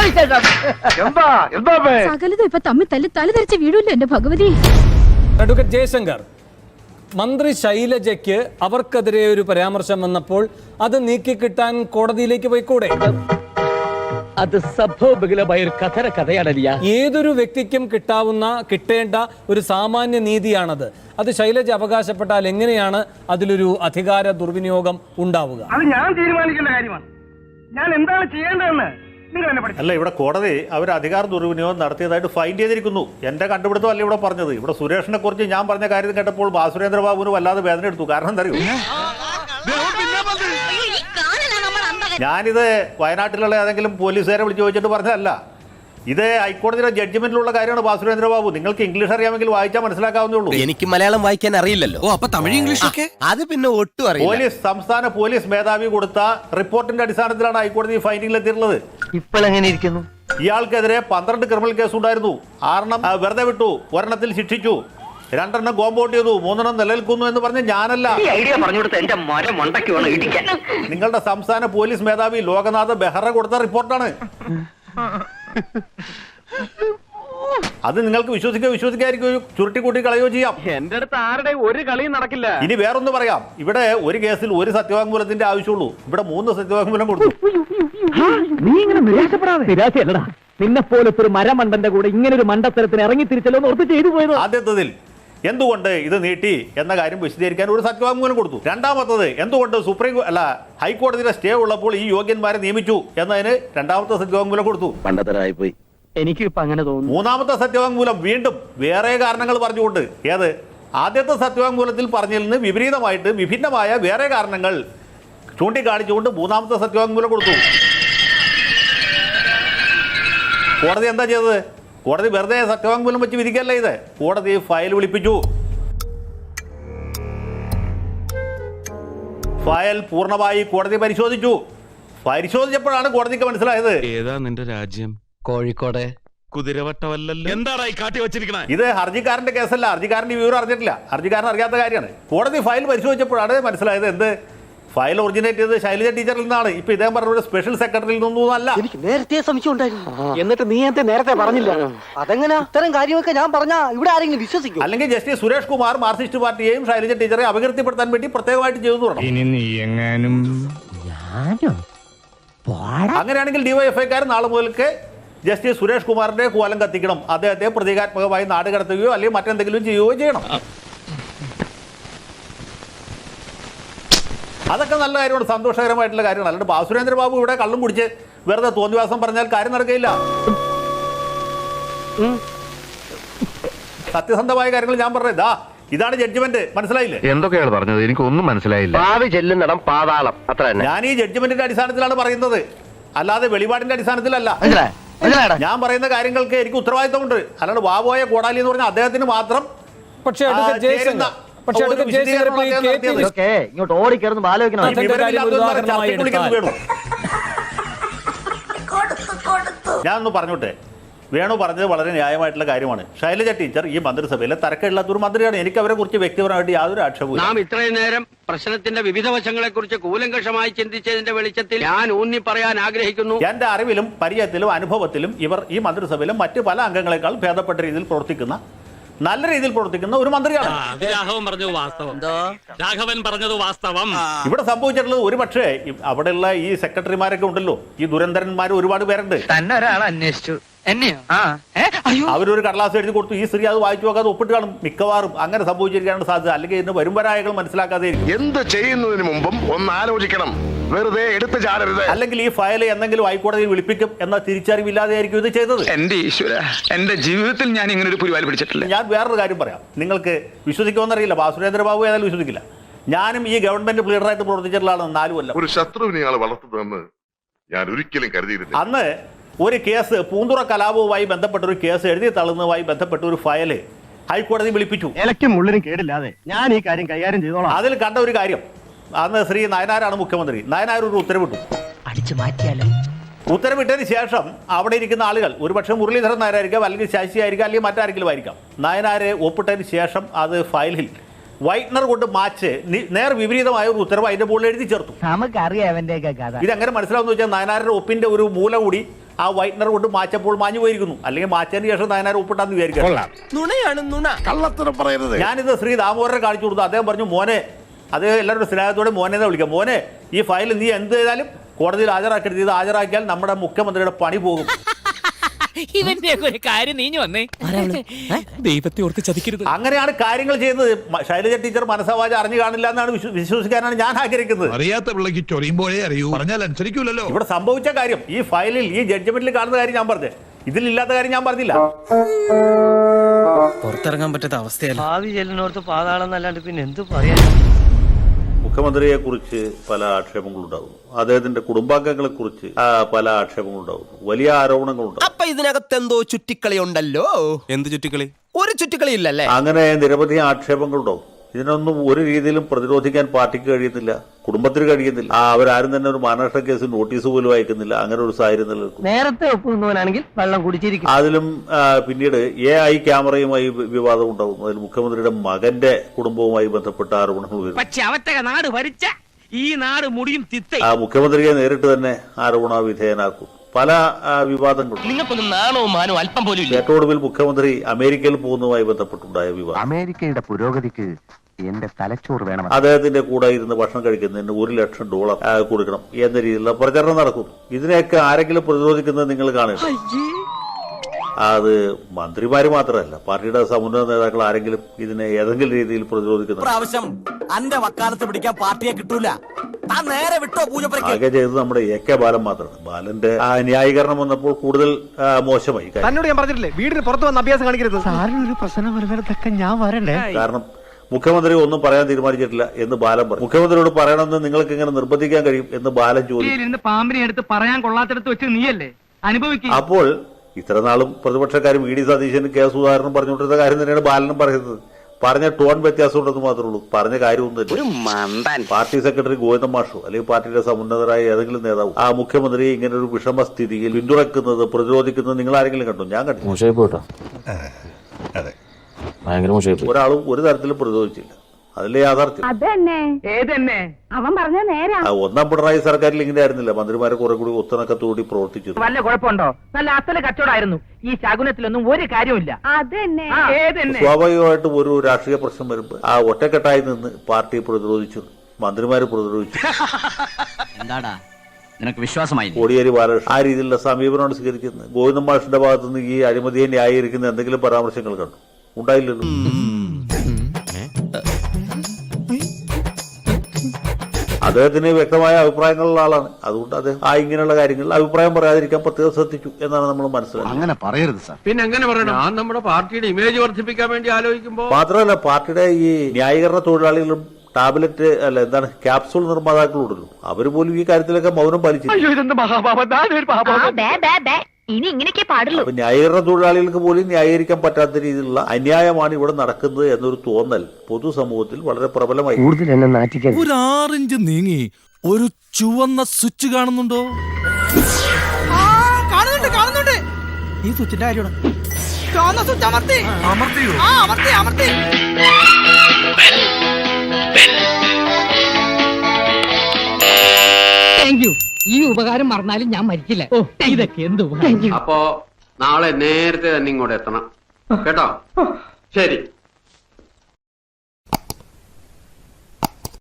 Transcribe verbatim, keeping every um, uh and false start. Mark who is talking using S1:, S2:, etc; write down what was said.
S1: സകലതും ഇപ്പൊ തമ്മിൽ തല്ലി തല ധരിച്ച വീടില്ല എന്റെ ഭഗവതി.
S2: അഡ്വക്കേറ്റ് ജയശങ്കർ, മന്ത്രി ശൈലജയ്ക്ക് അവർക്കെതിരെ ഒരു പരാമർശം വന്നപ്പോൾ അത് നീക്കിക്കിട്ടാൻ കോടതിയിലേക്ക് പോയിക്കൂടെ?
S3: അത് സംഭവബഹുലമായ ഒരു കഥന കഥയാണല്ല.
S2: ഏതൊരു വ്യക്തിക്കും കിട്ടാവുന്ന കിട്ടേണ്ട ഒരു സാമാന്യ നീതിയാണത്. അത് ശൈലജ അവകാശപ്പെട്ടാൽ എങ്ങനെയാണ് അതിലൊരു അധികാര ദുർവിനിയോഗം ഉണ്ടാവുക?
S4: അത് ഞാൻ തീരുമാനിക്കേണ്ട കാര്യമാണ്. ഞാൻ എന്താണ് ചെയ്യേണ്ടതെന്ന് നിങ്ങൾ എന്നെ പഠിച്ചു.
S5: അല്ല, ഇവിടെ കോടതി അവർ അധികാര ദുർവിനിയോഗം നടത്തിയതായിട്ട് ഫൈൻഡ് ചെയ്തിരിക്കുന്നു. എന്റെ കണ്ടുപിടുത്തം അല്ല ഇവിടെ പറഞ്ഞത്. ഇവിടെ സുരേഷിനെ കുറിച്ച് ഞാൻ പറഞ്ഞ കാര്യം കേട്ടപ്പോൾ സുരേന്ദ്ര ബാബുവിന് വല്ലാതെ വേദന എടുത്തു. കാരണം എന്താ അറിയോ, ഞാനിത് വയനാട്ടിലുള്ള ഏതെങ്കിലും പോലീസുകാരെ വിളിച്ച് ചോദിച്ചിട്ട് പറഞ്ഞതല്ല. ഇത് ഹൈക്കോടതിയുടെ ജഡ്ജ്മെന്റിലുള്ള കാര്യമാണ്. ബാസുരേന്ദ്ര ബാബു, നിങ്ങൾക്ക് ഇംഗ്ലീഷ് അറിയാമെങ്കിൽ വായിച്ചാൽ മനസ്സിലാക്കാവുന്നേ ഉള്ളൂ.
S6: എനിക്ക് മലയാളം വായിക്കാൻ അറിയില്ലല്ലോ. ഓ, അപ്പൊ തമിഴ് ഇംഗ്ലീഷ് ഒക്കെ അത് പിന്നെ ഒട്ടും അറിയില്ല.
S5: പോലീസ് സംസ്ഥാന പോലീസ് മേധാവി കൊടുത്ത റിപ്പോർട്ടിന്റെ അടിസ്ഥാനത്തിലാണ് ഹൈക്കോടതി ഫൈൻഡിംഗിൽ എത്തിയിട്ടുള്ളത്.
S3: ഇപ്പോൾ എങ്ങനെ ഇരിക്കുന്നു?
S5: ഇയാൾക്കെതിരെ പന്ത്രണ്ട് ക്രിമിനൽ കേസ് ഉണ്ടായിരുന്നു. ആറെണ്ണം വെറുതെ വിട്ടു, ഒരെണ്ണത്തിൽ ശിക്ഷിച്ചു, രണ്ടെണ്ണം കോമ്പൗണ്ട് ചെയ്തു, മൂന്നെണ്ണം നിലനിൽക്കുന്നു എന്ന് പറഞ്ഞ് ഞാനല്ല, നിങ്ങളുടെ സംസ്ഥാന പോലീസ് മേധാവി ലോകനാഥ് ബെഹ്റ കൊടുത്ത റിപ്പോർട്ടാണ്. അത് നിങ്ങൾക്ക് വിശ്വസിക്കുക വിശ്വസിക്കാതിരിക്കും, ചുരുട്ടിക്കൂട്ടി കളയോ ചെയ്യാം.
S4: എന്റെ അടുത്ത് ആരുടെ ഒരു കളിയും നടക്കില്ല.
S5: ഇനി വേറൊന്ന് പറയാം. ഇവിടെ ഒരു കേസിൽ ഒരു സത്യവാങ്മൂലത്തിന്റെ ആവശ്യമുള്ളൂ. ഇവിടെ മൂന്ന് സത്യവാങ്മൂലം കൊടുത്തു.
S3: നീ ഇങ്ങനെ നിരാശപ്പെടാതെ. നിരാശയല്ലടാ, നിന്നെ പോലത്തെ ഒരു മരമണ്ടന്റെ കൂടെ ഇങ്ങനെ ഒരു മണ്ടത്തരത്തിന് ഇറങ്ങി തിരിച്ചല്ലോ ഓർത്ത് ചെയ്തു പോയത്.
S5: ആദ്യത്തതിൽ എന്തുകൊണ്ട് ഇത് നീട്ടി എന്ന കാര്യം വിശദീകരിക്കാൻ ഒരു സത്യവാങ്മൂലം കൊടുത്തു. രണ്ടാമത്തത് എന്തുകൊണ്ട് സുപ്രീം അല്ല ഹൈക്കോടതിയുടെ സ്റ്റേ ഉള്ളപ്പോൾ ഈ യോഗ്യന്മാരെ നിയമിച്ചു എന്നതിന് രണ്ടാമത്തെ സത്യവാങ്മൂലം കൊടുത്തു.
S3: പണ്ടത്തരായിപ്പോയി. എനിക്ക് ഇപ്പൊ അങ്ങനെ തോന്നുന്നു.
S5: മൂന്നാമത്തെ സത്യവാങ്മൂലം വീണ്ടും വേറെ കാരണങ്ങൾ പറഞ്ഞുകൊണ്ട്, ഏത് ആദ്യത്തെ സത്യവാങ്മൂലത്തിൽ പറഞ്ഞതിൽ നിന്ന് വിപരീതമായിട്ട് വിഭിന്നമായ വേറെ കാരണങ്ങൾ ചൂണ്ടിക്കാണിച്ചുകൊണ്ട് മൂന്നാമത്തെ സത്യവാങ്മൂലം കൊടുത്തു. കോടതി എന്താ ചെയ്തത്? കോടതി വെറുതെ സത്യവാങ്മൂലം വെച്ച് വിധിക്കല്ല ഇത്. കോടതി ഫയൽ വിളിപ്പിച്ചു. ഫയൽ പൂർണ്ണമായി കോടതി പരിശോധിച്ചു. പരിശോധിച്ചപ്പോഴാണ് കോടതിക്ക് മനസ്സിലായത്
S7: ഏതാ നിന്റെ രാജ്യം?
S6: കോഴിക്കോട്
S7: കുതിരവട്ടമല്ലല്ലോ. എന്താടാ ഈ കാട്ടി വെച്ചിരിക്കണേ?
S5: ഇത് ഹർജിക്കാരന്റെ കേസല്ല. ഹർജിക്കാരന്റെ വിവരം അറിഞ്ഞിട്ടില്ല. ഹർജിക്കാരൻ അറിയാത്ത കാര്യമാണ്. കോടതി ഫയൽ പരിശോധിച്ചപ്പോഴാണ് മനസ്സിലായത് എന്ത് ഫയൽ ഒറിജിനേറ്റ് ചെയ്ത് ശൈലജ ടീച്ചറിൽ നിന്നാണ്. ഇപ്പൊ ഇദ്ദേഹം പറഞ്ഞ സ്പെഷ്യൽ സെക്രട്ടറിയിൽ നിന്നൊന്നും അല്ല.
S3: എനിക്ക് നേരത്തെ സംശയം ഉണ്ടായിരുന്നു. എന്നിട്ട് നീ എന്റെ നേരത്തെ പറഞ്ഞില്ല. അതെങ്ങനെ ഇത്തരം കാര്യമൊക്കെ ഞാൻ പറഞ്ഞാ ഇവിടെ ആരെങ്കിലും വിശ്വസിക്കും?
S5: അല്ലെങ്കിൽ ജസ്റ്റിസ് സുരേഷ് കുമാർ മാർക്സിസ്റ്റ് പാർട്ടിയെയും ശൈലജ ടീച്ചറെ അപകീർത്തിപ്പെടുത്താൻ വേണ്ടി പ്രത്യേകമായിട്ട് ചെയ്തു തുടങ്ങും.
S4: ഇനി നീ എങ്ങാനും
S5: അങ്ങനെയാണെങ്കിൽ ഡിവൈഎഫ്ഐക്കാർ നാളെ മുതൽക്ക് ജസ്റ്റിസ് സുരേഷ് കുമാറിന്റെ കോലം കത്തിക്കണം. അദ്ദേഹത്തെ പ്രതീകാത്മകമായി നാട് കടത്തുകയോ അല്ലെങ്കിൽ മറ്റെന്തെങ്കിലും ചെയ്യുകയോ ചെയ്യണം. അതൊക്കെ നല്ല കാര്യമാണ്, സന്തോഷകരമായിട്ടുള്ള കാര്യമാണ്. അല്ലാണ്ട് ബാസുരേന്ദ്ര ബാബു ഇവിടെ കള്ളും കുടിച്ച് വെറുതെ തോന്നിവാസം പറഞ്ഞാൽ കാര്യം നടക്കുകയില്ല. സത്യസന്ധമായ കാര്യങ്ങൾ ഞാൻ പറഞ്ഞത്. ഇതാ ഇതാണ് ജഡ്ജ്മെന്റ്. മനസ്സിലായില്ലേ?
S7: എന്തൊക്കെയാണ് പറഞ്ഞത്? എനിക്കൊന്നും മനസ്സിലായില്ല.
S3: ഭാവി ചെല്ലുന്നിടം പാതാളം, അത്ര തന്നെ.
S5: ഞാൻ ഈ ജഡ്ജ്മെന്റിന്റെ അടിസ്ഥാനത്തിലാണ് പറയുന്നത്, അല്ലാതെ വെളിപാടിന്റെ അടിസ്ഥാനത്തിലല്ല. ഞാൻ പറയുന്ന കാര്യങ്ങൾക്ക് എനിക്ക് ഉത്തരവാദിത്തമുണ്ട്. അല്ലാണ്ട് വാവോയ കോടാലി എന്ന് പറഞ്ഞാൽ അദ്ദേഹത്തിന് മാത്രം.
S2: പക്ഷേ പക്ഷേ
S3: ഇങ്ങോട്ട് ഓടിക്കയറുന്ന ആലോചിക്കണം.
S5: ഞാനൊന്ന് പറഞ്ഞോട്ടെ, വേണു പറഞ്ഞത് വളരെ ന്യായമായിട്ടുള്ള കാര്യമാണ്. ശൈലജ ടീച്ചർ ഈ മന്ത്രിസഭയിലെ തരക്കില്ലാത്ത ഒരു മന്ത്രിയാണ്. എനിക്ക് അവരെ കുറിച്ച് വ്യക്തിപരമായിട്ട് യാതൊരു ആക്ഷേപവും.
S8: നാം ഇത്രയും നേരം പ്രശ്നത്തിന്റെ വിവിധ വശങ്ങളെ കുറിച്ച് കൂലങ്കഷമായി ചിന്തിച്ചതിന്റെ വെളിച്ചത്തിൽ ഞാൻ ഊന്നി പറയാൻ ആഗ്രഹിക്കുന്നു.
S5: എന്റെ അറിവിലും പരിചയത്തിലും അനുഭവത്തിലും ഇവർ ഈ മന്ത്രിസഭയിലും മറ്റ് പല അംഗങ്ങളെക്കാൾ ഭേദപ്പെട്ട രീതിയിൽ പ്രവർത്തിക്കുന്ന, നല്ല രീതിയിൽ പ്രവർത്തിക്കുന്ന ഒരു മന്ത്രിയാണ്.
S8: രാഘവൻ പറഞ്ഞത് വാസ്തവം. രാഘവൻ പറഞ്ഞത് വാസ്തവം.
S5: ഇവിടെ സംഭവിച്ചിട്ടുള്ളത് ഒരു പക്ഷേ അവിടെയുള്ള ഈ സെക്രട്ടറിമാരൊക്കെ ഉണ്ടല്ലോ, ഈ ദുരന്തരന്മാർ ഒരുപാട് പേരുണ്ട്.
S3: തന്നെ ഒരാൾ അന്വേഷിച്ചു എന്നെയോ?
S5: അവരൊരു കടലാസ് എഴുതി കൊടുത്തു, ഈ സ്ത്രീ അത് വായിച്ചു നോക്കാതെ ഒപ്പിട്ട് കാണും. മിക്കവാറും അങ്ങനെ സംഭവിച്ചിരിക്കാനാണ് സാധ്യത. അല്ലെങ്കിൽ ഇതിന് വരുംവരായകൾ മനസ്സിലാക്കാതെ
S9: എന്ത് ചെയ്യുന്നതിന് മുമ്പും ഒന്ന് ആലോചിക്കണം. വെറുതെ എടുത്തു ചാടരുത്.
S5: അല്ലെങ്കിൽ ഈ ഫയൽ എന്തെങ്കിലും ഹൈക്കോടതിയിൽ വിളിപ്പിക്കും എന്ന തിരിച്ചറിവില്ലാതെ ആയിരിക്കും ഇത് ചെയ്തത്.
S10: എന്റെ ഈശ്വര, എന്റെ ജീവിതത്തിൽ ഞാൻ ഇങ്ങനെ ഒരു പുലിവാൽ പിടിച്ചിട്ടില്ല.
S5: ഞാൻ വേറൊരു കാര്യം പറയാം, നിങ്ങൾക്ക് വിശ്വസിക്കുമെന്നറിയില്ല. ബാസുരേന്ദ്ര ബാബു ഏതായാലും വിശ്വസിക്കില്ല. ഞാനും ഈ ഗവൺമെന്റ് ലീഡറായിട്ട് പ്രവർത്തിച്ചിട്ടുള്ള ആളാണ് നാല് കൊല്ലം.
S9: ഒരു ശത്രുവിനെ ആൾ വളർത്തുന്നതെന്ന് ഞാൻ ഒരിക്കലും കരുതിയിരുന്നില്ല.
S5: അന്ന് ഒരു കേസ് പൂന്തുറ കലാപവുമായി ബന്ധപ്പെട്ട ഒരു കേസ് എഴുതി തള്ളുന്നതുമായി ബന്ധപ്പെട്ട ഒരു ഫയല് ഹൈക്കോടതി വിളിപ്പിച്ചു.
S4: ഇലക്കും മുള്ളിനും കേടില്ലാതെ ഞാൻ ഈ കാര്യം കൈകാര്യം ചെയ്തോളാം.
S5: അതിൽ കണ്ട ഒരു കാര്യം, അന്ന് ശ്രീ നയനാരാണ് മുഖ്യമന്ത്രി. നയനാർ ഒരു ഉത്തരവിട്ടു.
S3: അടിച്ചു മാറ്റിയാലോ?
S5: ഉത്തരവിട്ടതിന് ശേഷം അവിടെ ഇരിക്കുന്ന ആളുകൾ, ഒരുപക്ഷെ മുരളീധരൻ നായരായിരിക്കാം, അല്ലെങ്കിൽ ശശി ആയിരിക്കാം, അല്ലെങ്കിൽ മറ്റാരെങ്കിലും ആയിരിക്കാം, നയനാരെ ഒപ്പിട്ടതിന് ശേഷം അത് ഫയലിൽ വൈറ്റ്നർ കൊണ്ട് മാച്ച് നേർ വിപരീതമായ ഒരു ഉത്തരവ് അതിന്റെ മുകളിൽ എഴുതി ചേർത്തു.
S3: നമുക്കറിയാം അവന്റെ കഥ.
S5: ഇതെങ്ങനെ മനസ്സിലാവുന്ന വെച്ചാൽ നയനാരുടെ ഒപ്പിന്റെ ഒരു മൂല കൂടി ആ വൈറ്റ്നർ കൊണ്ട് മാച്ചപ്പോൾ മാഞ്ഞു പോയിരിക്കുന്നു. അല്ലെങ്കിൽ മാച്ചതിന് ശേഷം നയനാർ ഒപ്പിട്ടാന്ന് വിചാരിക്കാം.
S6: നുണയാണ് നുണ.
S9: കള്ളത്തരം പറയരുത്.
S5: ഞാനിത് ശ്രീ ദാമോദരനെ കാണിച്ചു കൊടുത്തു. അദ്ദേഹം പറഞ്ഞു, മോനെ, അത് എല്ലാവരുടെ സ്നേഹത്തോടെ മോനെ എന്ന് വിളിക്കാം, മോനെ ഈ ഫയൽ നീ എന്ത് ചെയ്താലും കോടതിയിൽ ഹാജരാക്കരുത്, ഇത് ഹാജരാക്കിയാൽ നമ്മുടെ മുഖ്യമന്ത്രിയുടെ പണി പോകും.
S3: ഇവന്റെ ഒരു കാര്യം നീഞ്ഞു വന്നേ, ദൈവത്തെ ഓർത്ത് ചതിക്കരുത്.
S5: അങ്ങനെയാണ് കാര്യങ്ങൾ ചെയ്യുന്നത്. ശൈലജ ടീച്ചർ മനസ്സാവാച അറിഞ്ഞു കാണില്ല എന്നാണ് വിശ്വസിക്കാനാണ് ഞാൻ ആഗ്രഹിക്കുന്നത്.
S10: അറിയാത്ത പിള്ളക്ക് ചൊറിയുമ്പോഴേ അറിയൂ, പറഞ്ഞാൽ അനുസരിക്കൂലല്ലോ.
S5: ഇവിടെ സംഭവിച്ച കാര്യം, ഈ ഫയലിൽ ഈ ജഡ്ജ്മെന്റിൽ കാണുന്ന കാര്യം ഞാൻ പറഞ്ഞത്, ഇതിലില്ലാത്ത കാര്യം ഞാൻ പറഞ്ഞില്ല.
S6: പുറത്തിറങ്ങാൻ പറ്റാത്ത അവസ്ഥയല്ല.
S8: ഭാവി ചെല്ലിനോർത്ത് പാതാളം എന്നല്ലാണ്ട് പിന്നെ എന്ത് പറയാ.
S5: മുഖ്യമന്ത്രിയെ കുറിച്ച് പല ആക്ഷേപങ്ങളുണ്ടാകുന്നു, അദ്ദേഹത്തിന്റെ കുടുംബാംഗങ്ങളെ കുറിച്ച് പല ആക്ഷേപങ്ങളുണ്ടാകുന്നു, വലിയ ആരോപണങ്ങളുണ്ടാകും.
S6: അപ്പൊ ഇതിനകത്ത് എന്തോ ചുറ്റിക്കളി ഉണ്ടല്ലോ. എന്ത് ചുറ്റിക്കളി? ഒരു ചുറ്റിക്കളി ഇല്ലല്ലേ?
S5: അങ്ങനെ നിരവധി ആക്ഷേപങ്ങളുണ്ടാവും. ഇതിനൊന്നും ഒരു രീതിയിലും പ്രതിരോധിക്കാൻ പാർട്ടിക്ക് കഴിയുന്നില്ല, കുടുംബത്തിന് കഴിയുന്നില്ല. ആ അവരാരും തന്നെ ഒരു മാനനഷ്ട കേസ് നോട്ടീസ് പോലും അയക്കുന്നില്ല. അങ്ങനെ ഒരു സാഹചര്യം നിലനിൽക്കും.
S8: നേരത്തെ ഒപ്പുന്നവനാണെങ്കിൽ വെള്ളം കുടിച്ചിരിക്കും.
S5: അതിലും പിന്നീട് എ ഐ ക്യാമറയുമായി വിവാദം ഉണ്ടാവും. അതിൽ മുഖ്യമന്ത്രിയുടെ മകന്റെ കുടുംബവുമായി ബന്ധപ്പെട്ട ആരോപണങ്ങൾ വരും.
S3: പക്ഷെ അവത്തെ നാട് ഭരിച്ച ഈ നാട് മുടിയും തിത്ത
S5: ആ മുഖ്യമന്ത്രിയെ നേരിട്ട് തന്നെ ആരോപണ വിധേയനാക്കും. പല വിവാദങ്ങളും.
S3: നിങ്ങൾക്കൊന്നും നാണോ മാനോ അല്പം പോലും ഇല്ല.
S5: ഏറ്റവും മുഖ്യമന്ത്രി അമേരിക്കയിൽ പോകുന്നതുമായി ബന്ധപ്പെട്ടുണ്ടായ വിവാദം.
S3: അമേരിക്കയുടെ പുരോഗതിക്ക് എന്റെ തലച്ചോറ് വേണം.
S5: അദ്ദേഹത്തിന്റെ കൂടെ ഇരുന്ന് ഭക്ഷണം കഴിക്കുന്നതിന് ഒരു ലക്ഷം ഡോളർ കൊടുക്കണം എന്ന രീതിയിലുള്ള പ്രചരണം നടക്കുന്നു. ഇതിനെയൊക്കെ ആരെങ്കിലും പ്രതിരോധിക്കുന്നത് നിങ്ങൾ കാണുക. അത് മന്ത്രിമാര് മാത്രമല്ല, പാർട്ടിയുടെ സമുന്നത നേതാക്കൾ ആരെങ്കിലും ഇതിനെ ഏതെങ്കിലും രീതിയിൽ പ്രതിരോധിക്കുന്നു.
S6: പ്രാവശ്യം അന്റെ വക്കാലത്ത് പിടിക്കാൻ പാർട്ടിയെ കിട്ടൂല. നേരെ വിട്ടോ പൂജപ്പുരയ്ക്ക്.
S5: ആകെ ചെയ്തത് നമ്മുടെ എ കെ ബാലൻ മാത്രമാണ്. ബാലന്റെ ആ ന്യായീകരണം വന്നപ്പോൾ കൂടുതൽ മോശമായി.
S4: തന്നോട് ഞാൻ പറഞ്ഞിട്ടില്ലേ വീടിന് പുറത്ത് വന്ന് അഭ്യാസം കാണിക്കരുത്.
S3: സാറിനൊരു പ്രശ്നം വരുന്നതൊക്കെ ഞാൻ വരണ്ടേ?
S5: കാരണം മുഖ്യമന്ത്രി ഒന്നും പറയാൻ തീരുമാനിച്ചിട്ടില്ല എന്ന് ബാലൻ പറഞ്ഞു. മുഖ്യമന്ത്രിയോട് പറയണമെന്ന് നിങ്ങൾക്ക് എങ്ങനെ നിർബന്ധിക്കാൻ കഴിയും എന്ന് ബാലൻ ചോദിച്ചു.
S4: പാമ്പിനെ എടുത്ത് പറയാൻ കൊള്ളാത്തടത്ത് വെച്ച് നീയല്ലേ അനുഭവിക്കും.
S5: അപ്പോൾ ഇത്ര നാളും പ്രതിപക്ഷക്കാരും വി ഡി സതീശനും കെ സുധാകരനും പറഞ്ഞുകൊണ്ടിരുന്ന കാര്യം തന്നെയാണ് ബാലനും പറയുന്നത്. പറഞ്ഞ ടോൺ വ്യത്യാസം ഉണ്ടെന്ന് മാത്രമേ ഉള്ളൂ. പറഞ്ഞ കാര്യമൊന്നും തന്നെ. പാർട്ടി സെക്രട്ടറി ഗോവിന്ദൻ മാഷോ അല്ലെങ്കിൽ പാർട്ടിയുടെ സമുന്നതരായ ഏതെങ്കിലും നേതാവ് ആ മുഖ്യമന്ത്രിയെ ഇങ്ങനെ ഒരു വിഷമസ്ഥിതിയിൽ പിന്തുണക്കുന്നത് പ്രതിരോധിക്കുന്നത് നിങ്ങൾ ആരെങ്കിലും കണ്ടു? ഞാൻ കണ്ടു. ഒരാളും ഒരു തരത്തിലും പ്രതിരോധിച്ചില്ല. അതിലെ യാഥാർത്ഥ്യം
S1: അവൻ പറഞ്ഞ നേരാ.
S5: ഒന്നാം പിണറായി സർക്കാരിൽ ഇങ്ങനെ ആയിരുന്നില്ല. മന്ത്രിമാരെ കുറെ കൂടി ഒത്തണക്കത്തോടി പ്രവർത്തിച്ചു.
S4: വല്ല കുഴപ്പമുണ്ടോ? നല്ല അസല കച്ചവടമായിരുന്നു. ഈ ശകുനത്തിലൊന്നും ഒരു കാര്യമില്ല.
S1: അതന്നെ
S5: സ്വാഭാവികമായിട്ടും ഒരു രാഷ്ട്രീയ പ്രശ്നം വരുമ്പോൾ ആ ഒറ്റക്കെട്ടായി നിന്ന് പാർട്ടി പ്രതിരോധിച്ചു, മന്ത്രിമാര് പ്രതിരോധിച്ചു.
S3: എന്താടാ നിനക്ക് വിശ്വാസമായി?
S5: കോടിയേരി ബാലകൃഷ്ണൻ ആ രീതിയിലുള്ള സമീപനമാണ് സ്വീകരിക്കുന്നത്. ഗോവിന്ദൻ മാഷിന്റെ ഭാഗത്തുനിന്ന് ഈ അഴിമതിയെ ന്യായീകരിക്കുന്ന എന്തെങ്കിലും പരാമർശങ്ങൾ കണ്ടു? ഉണ്ടായില്ലല്ലോ. അദ്ദേഹത്തിന് വ്യക്തമായ അഭിപ്രായങ്ങളുള്ള ആളാണ്. അതുകൊണ്ട് അദ്ദേഹം ആ ഇങ്ങനെയുള്ള കാര്യങ്ങളിൽ അഭിപ്രായം പറയാതിരിക്കാൻ പ്രത്യേകം ശ്രദ്ധിച്ചു എന്നാണ് നമ്മൾ മനസ്സിലാക്കുന്നത്.
S3: അങ്ങനെ പറയരുത് സാർ.
S8: പിന്നെ എങ്ങനെ പറയണം? ഞാൻ നമ്മുടെ പാർട്ടിയുടെ ഇമേജ് വർദ്ധിപ്പിക്കാൻ വേണ്ടി ആലോചിക്കുമ്പോ
S5: മാത്രമല്ല, പാർട്ടിയുടെ ഈ ന്യായീകരണ തൊഴിലാളികളും ടാബ്ലറ്റ് അല്ല എന്താണ് ക്യാപ്സൂൾ നിർമ്മാതാക്കളുണ്ടല്ലോ, അവര് പോലും ഈ കാര്യത്തിലൊക്കെ മൗനം പാലിച്ചു.
S1: ഇനി ഇങ്ങനെയൊക്കെ പാടുള്ളൂ.
S5: അപ്പൊ ന്യായീകരണ തൊഴിലാളികൾക്ക് പോലും ന്യായീകരിക്കാൻ പറ്റാത്ത രീതിയിലുള്ള അന്യായമാണ് ഇവിടെ നടക്കുന്നത് എന്നൊരു തോന്നൽ പൊതുസമൂഹത്തിൽ വളരെ പ്രബലമായി.
S6: ഒരു ആറിഞ്ച് നീങ്ങി ഒരു ചുവന്ന സ്വിച്ച് കാണുന്നുണ്ടോ? കാണുന്നുണ്ട് കാണുന്നുണ്ട്. ഈ സ്വിച്ചിന്റെ കാര്യമാണ്. ചുവന്ന സ്വിച്ച് അമർത്തി അമർത്തിയോ? ആ അമർത്തി അമർത്തി.
S3: Thank you. ഈ ഉപകാരം മറന്നാലും ഞാൻ മരിക്കില്ല. ഓ ഇതൊക്കെ എന്ത് ഉപകാരം.
S8: അപ്പോ നാളെ നേരത്തെ തന്നെ ഇങ്ങോട്ട് എത്തണം കേട്ടോ? ശരി.